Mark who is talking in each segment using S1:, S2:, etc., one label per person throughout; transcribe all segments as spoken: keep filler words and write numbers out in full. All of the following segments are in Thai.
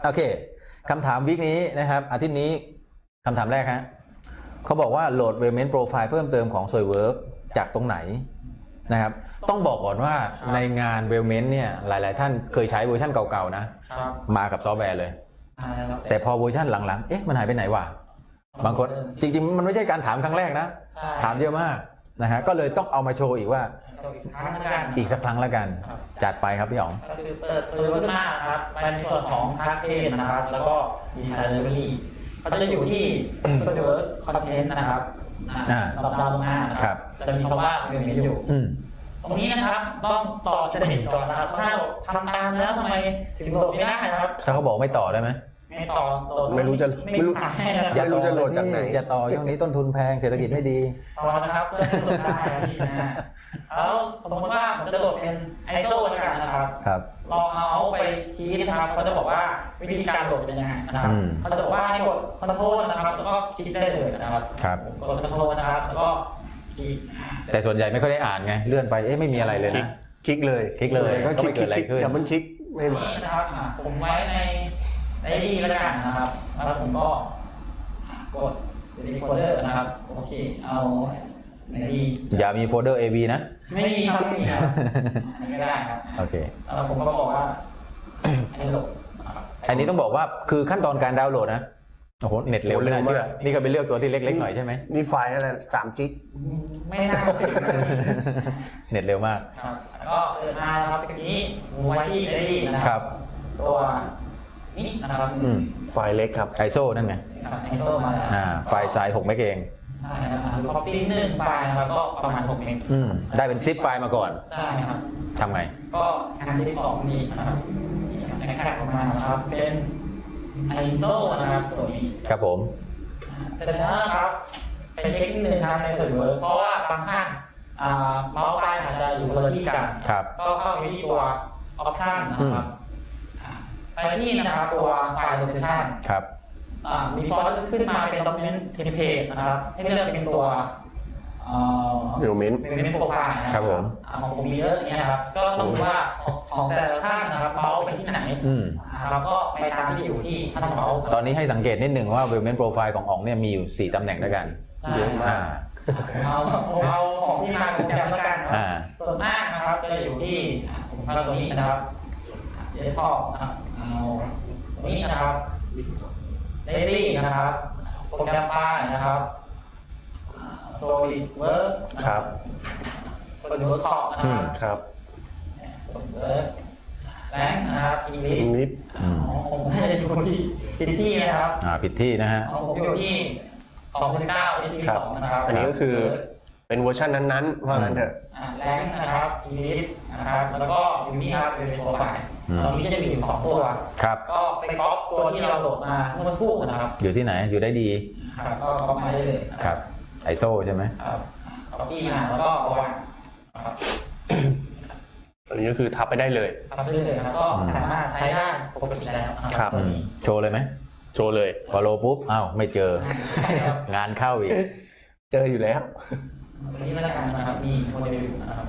S1: โอเคคำถามวิกนี้นะครับอาทิตย์นี้คำถามแรกฮะเขาบอกว่าโหลด Webment Profile เพิ่มเติมของ SolidWorks จากตรงไหนนะครับต้องบอกก่อนว่าในงาน Webment เนี่ยหลายๆท่านเคยใช้เวอร์ชันเก่าๆนะมากับซอฟต์แวร์เลยแต่พอเวอร์ชันหลังๆเอ๊ะมันหายไปไหนวะบางคนจริงๆมันไม่ใช่การถามครั้งแรกนะถามเยอะมากนะฮะก็เลยต้องเอามาโชว์อีกว่าอีกสักครั้งละกันจัดไปครับพี่อ๋อง
S2: ก็คือเปิดตัวขึ้นมาครับในส่วนของทักเอนนะครับแล้วก็ดีไซน์เลเวอรี่เขาจะอยู่ที่ SolidWorks Content นะครับระดับดาวลงมาครับจะมีคำว่าเรื่องนี้อยู่ตรงนี้นะครับต้องต่อจะเห็นก่อนนะครับถ้าทำตามแล้วทำไมถึงโหลดไม่ได้นะครับ
S1: ถ้าเขาบอกไม่ต่อได้ไหม
S2: ไม่ต่อ
S3: ไม่รู้จะไม่รู้ไม่รู้จะโหลดจากไหน
S1: จะต่อช่วงนี้ต้นทุนแพงเศรษฐกิจไม่ดี
S2: ต่อนะครับก็จะโหลดได้ที่นะแล้วสมมติว่าผมจะโหลดเป็น ไอ เอส โอ แล้วกันนะครับ
S1: ครับ
S2: ลองเอาไปชี้นะครับเขาจะบอกว่าวิธีการโหลดเป็นยังไงนะครับเขาจะบอกว่าให้กดคอนโทรลนะครับแล้วก็คลิกได้เลยนะครับ
S1: ครับ
S2: กดคอนโทรลนะครับแล้วก็คลิก
S1: แต่ส่วนใหญ่ไม่ค่อยได้อ่านไงเลื่อนไปเอ๊ะไม่มีอะไรเลยนะ
S3: คลิกเลย
S1: คลิกเลย
S3: ก็คลิกคลิกแต่มันคลิกไม่มา
S2: นะครับผมไว้ในในดีแล้วกันนะครับแล้วผมก็กดรีโคเดอร์นะครับโอเคเอาในดี
S1: อย่ามีโฟลเดอร์ เอ บี นะ
S2: ไม่มีครับไม่มีครับไม่ได้ครับ
S1: โอเค
S2: แล้วผมก็บอกว่าให้โหลด
S1: อันนี้ต้องบอกว่าคือขั้นตอนการดาวน์โหลดนะโอ้โหเน็ตเร็วเลยเชื่อนี่ก็ไปเลือกตัวที่เล็กๆหน่อยใช่ไหม
S3: นี่ไฟล์อะไรสามจิก
S2: ไม่น่า
S1: เน็ตเร็วมาก
S2: ครับแล้วก็เปิดมาครับตรงนี้ไว้ที่ในดีนะครับตัวนี่นะครับ
S3: ไฟล์เล็กครับ
S1: ไอ เอส โอ นั่นไง
S2: ไอ เอส โอ มาแล้ว
S1: อ่าไฟล์ไซส์หกเมกเอง
S2: ใช่ครับคอปปี้หนึ่งไฟล์นะครับก็ประมาณหกเมก
S1: อืมได้เป็นซิปไฟล์มาก่อน
S2: ใช่ครับ
S1: ทำไง
S2: ก็งานซิปออกนี่นะครับแข็งออกมานะครับเป็น ไอ เอส โอ นะครับตัวนี้
S1: ครับผม
S2: เสร็จแล้วนะครับไปเช็คหนึ่งครับในส่วนเวิร์กเพราะว่าบางท่านเมาส์ปลายอาจจะอยู่คนละที่กันก็เข้าไปที่ตัวออปชั่นนะครับไปที่นะครับตัวไฟล์โลเคชั่น
S1: ครับ
S2: มีฟอนต์ขึ้นมาเป็น document template นะครับให้เลือกเป็นตัว
S3: โดเมน
S2: เป็นโปรไฟล์
S1: ครับผม
S2: ของผมมีเยอะอย่างเงี้ยนะครับก็ต้องดูว่าของแต่ละท่านนะครับเมาส์ไปที่ไหนนะครับก็ไปตามที่อยู่ที่ท่านเมาส์
S1: ตอนนี้ให้สังเกตนิดหนึ่งว่า Webment Profile ของอ๋องเนี่ยมีอยู่สี่ตำแหน่งด้วยกัน
S2: เยอะมากเอาเอาของที่มาของแจมแล้วกันส่วนมากนะครับจะอยู่ที่ผมเข้าตรงนี้นะครับเดสก์ท็อปนะครับเอาตรงนี้นะครับเดซี่นะครับโปรแกรมไฟล์นะครับโซลิดเวิร์ก
S3: ครับ
S2: โซลิดเวิร์กคอร์นะครับ
S3: ครับ
S2: โซลิดเวิร์กแรงนะครับอิงลิชผมให้ดูที่ผิดที่นะครับ
S1: อ่าผิดที่นะฮะ
S2: ผมอยู่ที่สองพันเก้าที่สองนะครับ
S3: อันนี้ก็คือเป็นเวอร์ชันนั้นๆว่างั้นเถอะ
S2: แรงนะครับอิงลิชนะครับแล้วก็อยู่นี่ครับเป็นโปรไฟล์ตอนนี้จะมีอยู่สองตัว
S1: ครับ
S2: ก็ไปก๊อปตัวที่เราโหลดมาเมื่อสักครู่นะครับ
S1: อยู่ที่ไหนอยู่ได้ดี
S2: ครับก็ก๊อปมาได้เลย
S1: ครับไอ เอส โอ ใช่ไหม
S2: ครับก๊อปปี้มาแล้วก็วางครับ
S3: อันนี้ก็คือทับไปได้เลย
S2: ทับไปได้เลยครับก็สามารถใช้ได้ปกติแล้ว
S3: ครับ
S1: โชว์เลยไหม
S3: โชว์เลย
S1: พอโลปุ๊บอ้าวไม่เจองานเข้าอีก
S3: เจออยู่แล้ว
S2: อันนี้แล้วกันนะครับมีโมเดลอยู่นะครับ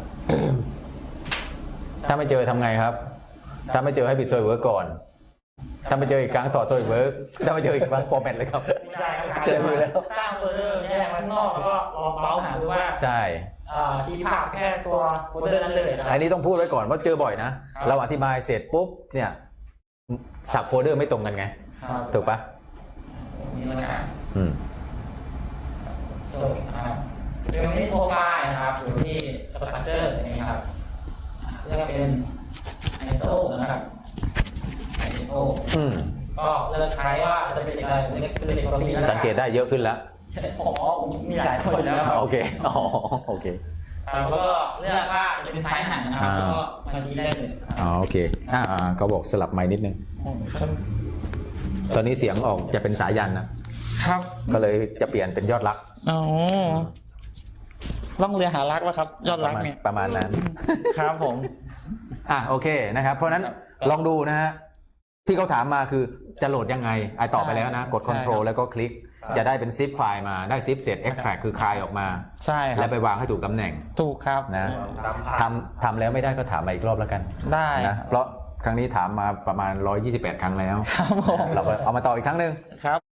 S1: ถ้าไม่เจอทำไงครับถ้าไม่เจอให้ปิด SolidWorks ก่อนถ้าไม่เจออีกครั้งต่อ SolidWorks ถ้าไม่เจออีกครั้งฟอร์แมตเลยครับ
S2: เจออยู่แล้วสร้างโฟลเดอร์แยกไว้ข้างนอกแล้วก็ลองเมาส์หาดูว่า
S1: ใช่
S2: ชี้ผ่าแค่ตัวโฟลเดอร์นั้นเลย
S1: อันนี้ต้องพูดไว้ก่อนว่าเจอบ่อยนะเราอธิบายเสร็จปุ๊บเนี่ยสับโฟลเดอร์ไม่ตรงกันไงถูกปะ
S2: นี่แล้วกัน
S1: อืม
S2: จบนะครับเป็นที่โปรไฟล์นะครับอยู่ที่สตรัคเจอร์อย่างนี้ครับเรียกว่าเป็น ไอ เอส โอ นะครับ ไอ เอส โอ
S1: อืม
S2: ก็เลือกใช้ว่าจะเป็นอะไรเป็นเด็กตัวนี้
S1: สังเกตได้เยอะขึ้นแล้ว
S2: อ๋อผมมีหลายคนแล้ว
S1: โอเคอ๋อโอเค
S2: แล้วก็เลือกว่าจะเป็นไซส์ไหนนะครับแล้วก็มาชี้ได้เลย
S1: อ๋อโอเคอ่าเขาบอกสลับไมค์นิดนึงตอนนี้เสียงออกจะเป็นสายันนะครับก็เลยจะเปลี่ยนเป็นยอดรัก
S2: อ๋อล่องเรือหารักวะครับยอดรักเนี่ย
S1: ประมาณนั้น
S2: ครับผม
S1: อ่ะโอเคนะครับเพราะนั้นลองดูนะฮะที่เขาถามมาคือจะโหลดยังไงไอตอบไปแล้วนะกด Ctrl แล้วก็คลิกจะได้เป็นซิปไฟล์มาได้ซิปเสร็จ Extract คือคลายออกมา
S2: ใช่ครับ
S1: แล้วไปวางให้ถูกตำแหน่ง
S2: ถูกครับ
S1: นะทำทำแล้วไม่ได้ก็ถามมาอีกรอบแล้วกัน
S2: ได้
S1: นะเพราะครั้งนี้ถามมาประมาณหนึ่งร้อยยี่สิบแปดครั้งแล้ว
S2: ครับผม
S1: เราก็เอามาต่ออีกครั้งหนึ่ง
S2: ครับ